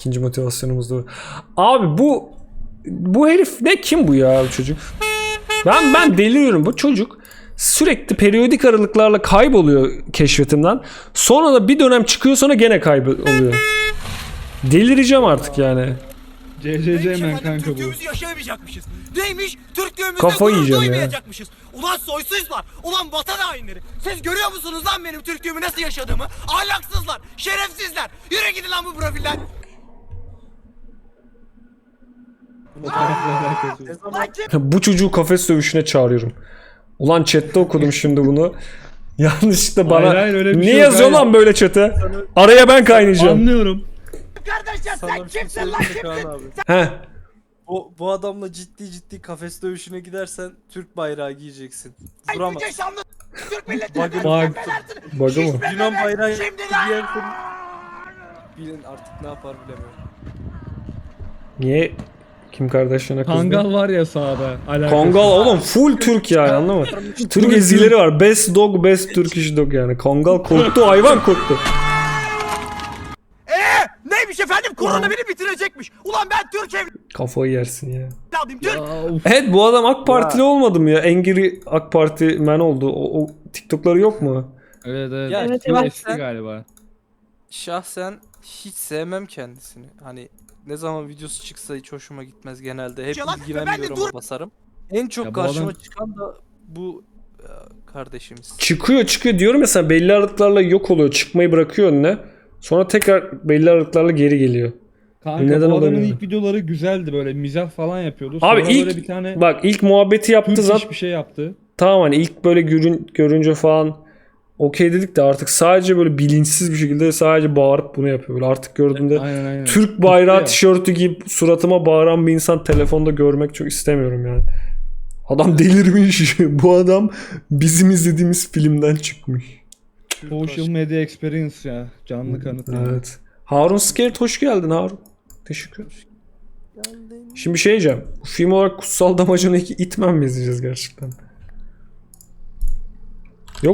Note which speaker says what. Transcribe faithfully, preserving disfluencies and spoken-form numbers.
Speaker 1: İkinci motivasyonumuz da. Abi bu bu herif ne, kim bu ya bu çocuk? Ben ben deliriyorum. Bu çocuk sürekli periyodik aralıklarla kayboluyor keşfetimden. Sonra da bir dönem çıkıyor, sonra gene kayboluyor. Delireceğim artık yani.
Speaker 2: C C C men kanka bu.
Speaker 3: Türklüğümüzü yaşayamayacakmışız. Neymiş? Türklüğümüzle
Speaker 1: Kafayı
Speaker 3: gurur
Speaker 1: yiyeceğim ya.
Speaker 3: duymayacakmışız. Ulan soysuzlar. Ulan vatan hainleri. Siz görüyor musunuz lan benim Türklüğümü nasıl yaşadığımı? Ahlaksızlar. Şerefsizler. Yürü gidin lan bu profiller.
Speaker 1: Bu çocuğu kafes dövüşüne çağırıyorum. Ulan chatte okudum şimdi bunu. Yanlışlıkla bana
Speaker 2: Hayır, hayır, öyle bir
Speaker 1: ne
Speaker 2: şey yok,
Speaker 1: yazıyor
Speaker 2: hayır.
Speaker 1: lan böyle chat'e? Araya ben kaynayacağım.
Speaker 2: Anlıyorum.
Speaker 3: Kardeşler
Speaker 4: Sana
Speaker 3: sen
Speaker 4: bir şey
Speaker 3: kimsin lan
Speaker 4: söyleyeyim mi
Speaker 3: kimsin?
Speaker 4: Kaan abi?
Speaker 1: He.
Speaker 4: Bu, bu adamla ciddi ciddi kafes dövüşüne gidersen Türk bayrağı giyeceksin.
Speaker 3: Ay
Speaker 4: Duramaz.
Speaker 3: yüce şanlı Türk milletini
Speaker 4: Bak-
Speaker 3: bak.
Speaker 1: Bug'ı mı?
Speaker 4: Yunan bayrağı
Speaker 3: Şimdi
Speaker 4: giyersin. Bilin artık ne yapar bilemiyorum.
Speaker 1: Niye Kim Kardashian'a kızdı?
Speaker 2: Kangal var ya sağda. Alakası.
Speaker 1: Kongal oğlum full Türk yani, anladın mı? Türk ezileri var. Best dog, best Turkish dog yani. Kongal korktu, hayvan korktu.
Speaker 3: Eee neymiş efendim? Korona beni bitirecekmiş. Ulan ben Türk
Speaker 1: Kafayı yersin ya.
Speaker 3: evladıyım. Türk.
Speaker 2: Ya, of.
Speaker 1: Evet, bu adam AK Partili olmadı mı ya? Angry AK Parti man oldu. O, o TikTok'ları yok mu?
Speaker 2: Evet evet.
Speaker 4: Ya,
Speaker 2: Evet,
Speaker 4: evet.
Speaker 2: eski galiba.
Speaker 4: Şahsen hiç sevmem kendisini. Hani ne zaman videosu çıksa hiç hoşuma gitmez genelde. Hep
Speaker 3: Yalan,
Speaker 4: ilgilenmiyorum,
Speaker 3: ben de dur-
Speaker 4: basarım. En çok
Speaker 2: Ya bu
Speaker 4: karşıma
Speaker 2: adam-
Speaker 4: çıkan da bu e, kardeşimiz.
Speaker 1: Çıkıyor çıkıyor diyorum mesela, belli aralıklarla yok oluyor. Çıkmayı bırakıyor önüne. Sonra tekrar belli aralıklarla geri geliyor.
Speaker 2: Kanka
Speaker 1: Neden
Speaker 2: bu adamın
Speaker 1: olabilir?
Speaker 2: ilk videoları güzeldi, böyle mizah falan yapıyordu. Sonra
Speaker 1: Abi ilk
Speaker 2: böyle bir tane
Speaker 1: bak ilk muhabbeti yaptı
Speaker 2: Türk
Speaker 1: zaten.
Speaker 2: iş bir şey yaptı.
Speaker 1: Tamam, hani ilk böyle görün, görünce falan okey dedik de artık sadece böyle bilinçsiz bir şekilde sadece bağırıp bunu yapıyor. Böyle artık gördüğümde
Speaker 2: Aynen aynen.
Speaker 1: Türk bayrağı
Speaker 2: Ya.
Speaker 1: tişörtü giyip suratıma bağıran bir insan telefonda görmek çok istemiyorum yani. Adam delirmiş. Bu adam bizim izlediğimiz filmden çıkmış.
Speaker 2: Social media experience ya. Canlı kanıt. yani.
Speaker 1: Evet. Harun Scared, hoş geldin Harun. Teşekkür ederim. Şimdi bir şey diyeceğim. Bu film olarak Kutsal Damacana iki Itman mi izleyeceğiz gerçekten?